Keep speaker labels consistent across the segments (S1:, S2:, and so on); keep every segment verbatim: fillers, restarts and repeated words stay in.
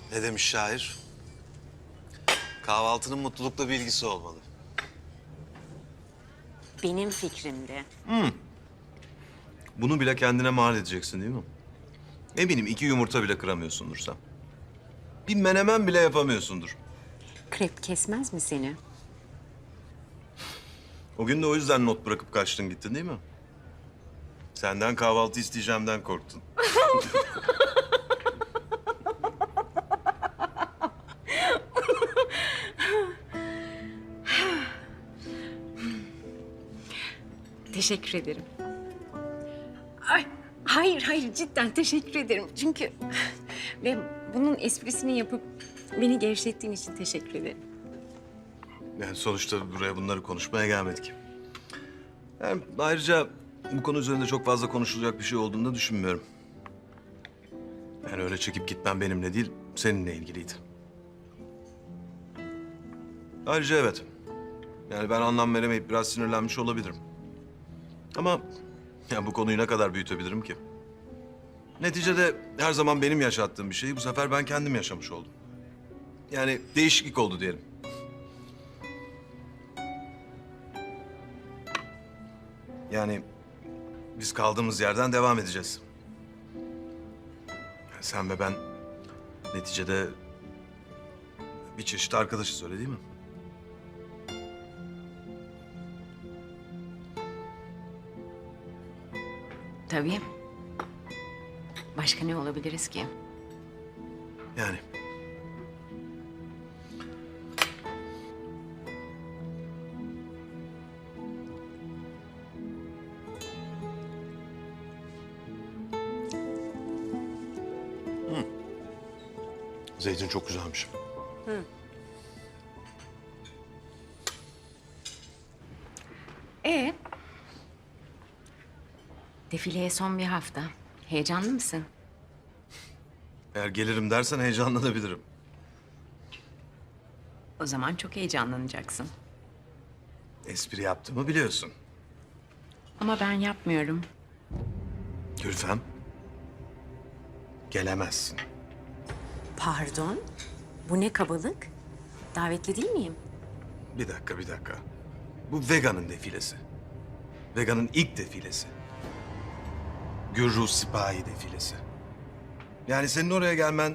S1: Ne demiş şair? Kahvaltının mutlulukla bir ilgisi olmalı.
S2: Benim fikrimdi.
S3: Bunu bile kendine mal edeceksin değil mi? Eminim iki yumurta bile kıramıyorsundur sen. Bir menemen bile yapamıyorsundur.
S2: Krep kesmez mi seni?
S3: O gün de o yüzden not bırakıp kaçtın gittin değil mi? Senden kahvaltı isteyeceğimden korktun.
S2: Teşekkür ederim. Ay, hayır, hayır cidden teşekkür ederim. Çünkü ve bunun esprisini yapıp beni gevşettiğin için teşekkür ederim.
S3: Yani sonuçta buraya bunları konuşmaya gelmedik. Yani ayrıca bu konu üzerinde çok fazla konuşulacak bir şey olduğunu da düşünmüyorum. Yani öyle çekip gitmem benimle değil, seninle ilgiliydi. Ayrıca evet. Yani ben anlam veremeyip biraz sinirlenmiş olabilirim. Ama ya bu konuyu ne kadar büyütebilirim ki? Neticede her zaman benim yaşattığım bir şeyi bu sefer ben kendim yaşamış oldum. Yani değişiklik oldu diyelim. Yani biz kaldığımız yerden devam edeceğiz. Sen ve ben neticede bir çeşit arkadaşız öyle değil mi?
S2: Tabii. Başka ne olabiliriz ki?
S3: Yani. Zeytin çok güzelmiş.
S2: Ee? Defileye son bir hafta. Heyecanlı mısın?
S3: Eğer gelirim dersen heyecanlanabilirim.
S2: O zaman çok heyecanlanacaksın.
S3: Espri yaptığımı biliyorsun.
S2: Ama ben yapmıyorum.
S3: Gülfem. Gelemezsin.
S2: Pardon? Bu ne kabalık? Davetli değil miyim?
S3: Bir dakika, bir dakika. Bu Vega'nın defilesi. Vega'nın ilk defilesi. Gürru Sipahi defilesi. Yani senin oraya gelmen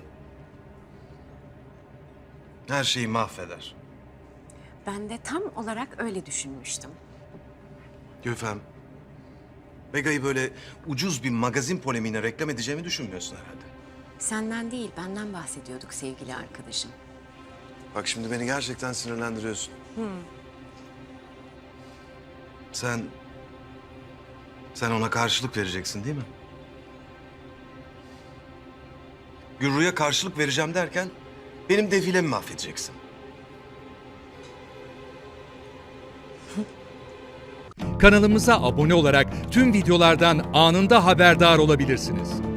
S3: her şeyi mahveder.
S2: Ben de tam olarak öyle düşünmüştüm.
S3: Gülfem, Vega'yı böyle ucuz bir magazin polemiğine reklam edeceğimi düşünmüyorsun herhalde.
S2: Senden değil, benden bahsediyorduk sevgili arkadaşım.
S1: Bak şimdi beni gerçekten sinirlendiriyorsun.
S3: Sen... Sen ona karşılık vereceksin değil mi? Gürru'ya karşılık vereceğim derken benim defilemi mahvedeceksin.
S4: Kanalımıza abone olarak tüm videolardan anında haberdar olabilirsiniz.